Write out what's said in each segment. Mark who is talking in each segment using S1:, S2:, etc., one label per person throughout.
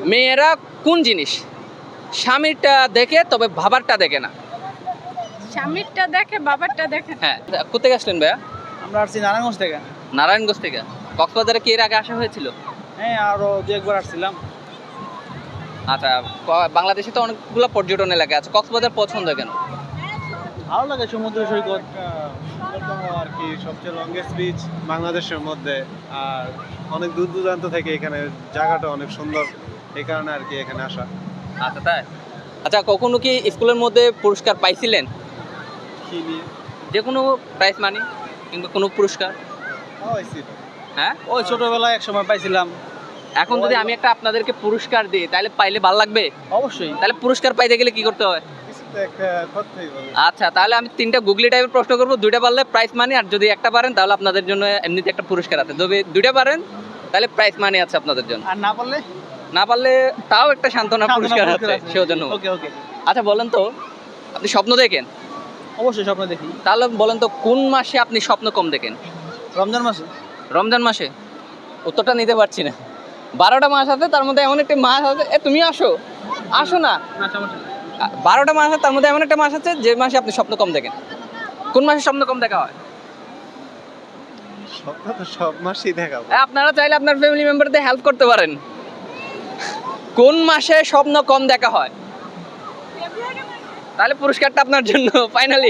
S1: মেয়েরা কোন জিনিস স্বামীরটা দেখে তবে বাবারটা দেখে না?
S2: স্বামীরটা দেখে বাবারটা দেখে না।
S1: হ্যাঁ, কোথেকে আসলেন ভাইয়া?
S3: আমরা আসছি নারায়ণগঞ্জ থেকে।
S1: নারায়ণগঞ্জ থেকে। কক্সবাজারে কি এর আগে আসা হয়েছিল?
S3: হ্যাঁ, আরো দু একবার আসছিলাম।
S1: আচ্ছা, বাংলাদেশে তো অনেকগুলো পর্যটন এলাকা আছে, কক্সবাজার পছন্দ কেন?
S3: ভালো লাগে সমুদ্র সৈকত, সুন্দরতম আর কি সবচেয়ে লংগেস্ট বিচ বাংলাদেশের মধ্যে। আর অনেক দূর দূরান্ত থেকে এখানে জায়গাটা অনেক সুন্দর, এই কারণে আর কি এখানে আসা।
S1: আচ্ছা তাই। আচ্ছা, কখনো কি স্কুলের মধ্যে পুরস্কার পাইছিলেন?
S3: কি নিয়ে?
S1: যে কোনো প্রাইজ মানি কিংবা কোনো পুরস্কার?
S3: পাইছি তো।
S1: হ্যাঁ,
S3: ওই ছোটবেলায় এক সময় পাইছিলাম।
S1: এখন যদি আমি একটা আপনাদেরকে পুরস্কার দিই তাহলে পাইলে ভালো লাগবে?
S3: অবশ্যই
S1: তাহলে পুরস্কার পাইতে গেলে কি করতে হয়?
S3: কিছু তো একটা করতেই হবে।
S1: আচ্ছা, তাহলে আমি 3টা গুগলি টাইপের প্রশ্ন করবো, 2টা পারলে প্রাইজ মানি, আর যদি একটা পারেন তাহলে আপনাদের জন্য এমনিতে একটা পুরস্কার আছে। যদি 2টা পারেন তাহলে প্রাইজ মানি আছে আপনাদের জন্য,
S3: আর না পারলে
S1: না পারলে তাও একটা সান্ত্বনা পুরস্কার আছে সেজন্য।
S3: ওকে ওকে।
S1: আচ্ছা বলেন তো, আপনি স্বপ্ন দেখেন?
S3: অবশ্যই স্বপ্ন দেখি।
S1: তাহলে বলেন তো কোন মাসে আপনি স্বপ্ন কম দেখেন?
S3: রমজান মাসে।
S1: রমজান মাসে? উত্তরটা নিতে পারছি না। 12টা মাস আছে, তার মধ্যে এমন একটা মাস আছে, তুমি আসো আসো না,
S3: না সমস্যা নেই।
S1: 12টা মাস আছে, তার মধ্যে এমন একটা মাস আছে যে মাসে আপনি স্বপ্ন কম দেখেন। কোন মাসে স্বপ্ন কম দেখা হয়?
S3: স্বপ্ন তো সব মাসেই দেখাবো।
S1: আপনারা চাইলে আপনার ফ্যামিলি মেম্বারদের হেল্প করতে পারেন। কোন মাসে স্বপ্ন কম দেখা হয়? তাহলে পুরস্কারটা আপনার জন্য ফাইনালি।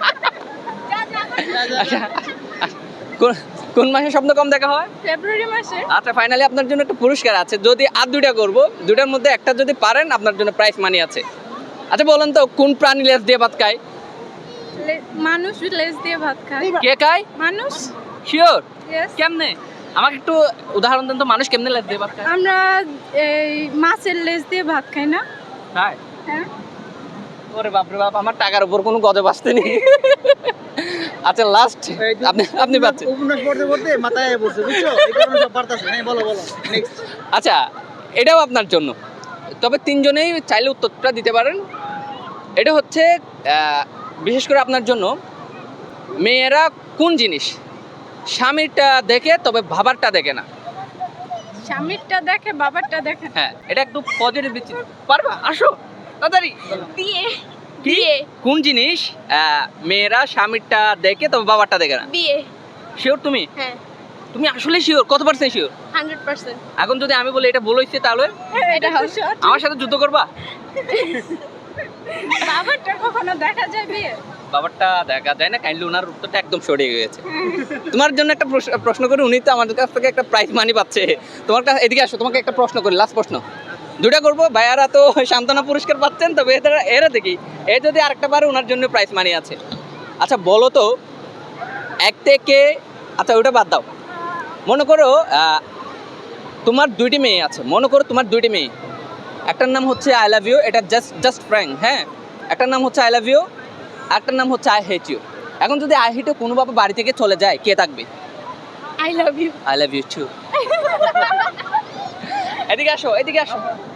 S1: আচ্ছা, কোন মাসে স্বপ্ন কম দেখা হয়?
S2: ফেব্রুয়ারি মাসে।
S1: আচ্ছা, ফাইনালি আপনার জন্য একটা পুরস্কার আছে। যদি আর 2টা করবো, 2টার মধ্যে একটা যদি পারেন আপনার জন্য প্রাইজ মানি আছে। আচ্ছা বলেন তো, কোন প্রাণী লেজ দিয়ে ভাত খায়?
S2: মানুষ লেজ দিয়ে ভাত খায়।
S1: কে খায়?
S2: মানুষ।
S1: শিওর?
S2: Yes.
S1: কেমনে? আমাকে একটু উদাহরণ দেন তো, মানুষ কেমনে লেজ দিয়ে ভাত খায়?
S2: আমরা এই মাছের লেজ দিয়ে ভাত খাই না?
S1: খায়?
S2: হ্যাঁ।
S1: ওরে বাপরে বাপ, আমার টাকার উপর কোনো গজব আসতে নেই। আচ্ছা লাস্ট, আপনি পাচ্ছেন।
S3: উপন্যাস পড়তে পড়তে মাথায় পড়ছে, বুঝছো? এই কারণে সব পারতাছে। হ্যাঁ, বলো বলো নেক্সট।
S1: আচ্ছা, এটাও আপনার জন্য, তবে 3জনেই চাইলে উত্তরটা দিতে পারেন। এটা হচ্ছে বিশেষ করে আপনার জন্য, মেয়েরা কোন জিনিস স্বামীরটা দেখে তবে বাবারটা দেখে না?
S2: স্বামীরটা দেখে বাবারটা দেখে না।
S1: হ্যাঁ, এটা একটু পজিটিভ দিচ্ছি। পারবা? আসো তাড়াতাড়ি।
S2: বিয়ে।
S1: কি? কোন জিনিস মেয়েরা স্বামীরটা দেখে তবে বাবারটা দেখে না?
S2: বিয়ে।
S1: শিওর তুমি?
S2: হ্যাঁ,
S1: তুমি আসলে শিওর? কত পার্সেন্ট শিওর?
S2: 100%।
S1: এখন যদি আমি বলি এটা ভুল হইছে তাহলে
S2: এটা হচ্ছে
S1: আমার সাথে যুদ্ধ করবা?
S2: বাবারটা কখনো দেখা যায় বিয়ে?
S1: বাবারটা দেখা যায় না, কাইন্ডলি ওনার উত্তরটা একদম সঠিক হয়েছে। তোমার জন্য একটা প্রশ্ন করে, উনি তো আমাদের কাছ থেকে একটা প্রাইজ মানি পাচ্ছে। তোমার কাছে এদিকে আসো, তোমাকে একটা প্রশ্ন করি, লাস্ট প্রশ্ন। 2টা করবো, ভাইয়ারা তো সান্ত্বনা পুরস্কার পাচ্ছেন, তবে এরা দেখি এ যদি আরেকটা পারে ওনার জন্য প্রাইজ মানি আছে। আচ্ছা বলো তো, 1 থেকে, আচ্ছা ওটা বাদ দাও, মনে করো তোমার 2টি মেয়ে আছে, মনে করো তোমার 2টি মেয়ে, একটার নাম হচ্ছে আই লাভ ইউ, এটা জাস্ট ফ্র্যাঙ্ক, হ্যাঁ। একটার নাম হচ্ছে আই লাভ ইউ, একটার নাম হচ্ছে আই হেট ইউ। এখন যদি আই হেট ইউ কোনোভাবে বাড়ি থেকে চলে যায়, কে থাকবে?
S2: I love you.
S1: I love you too. এদিকে আসো, এদিকে আসো।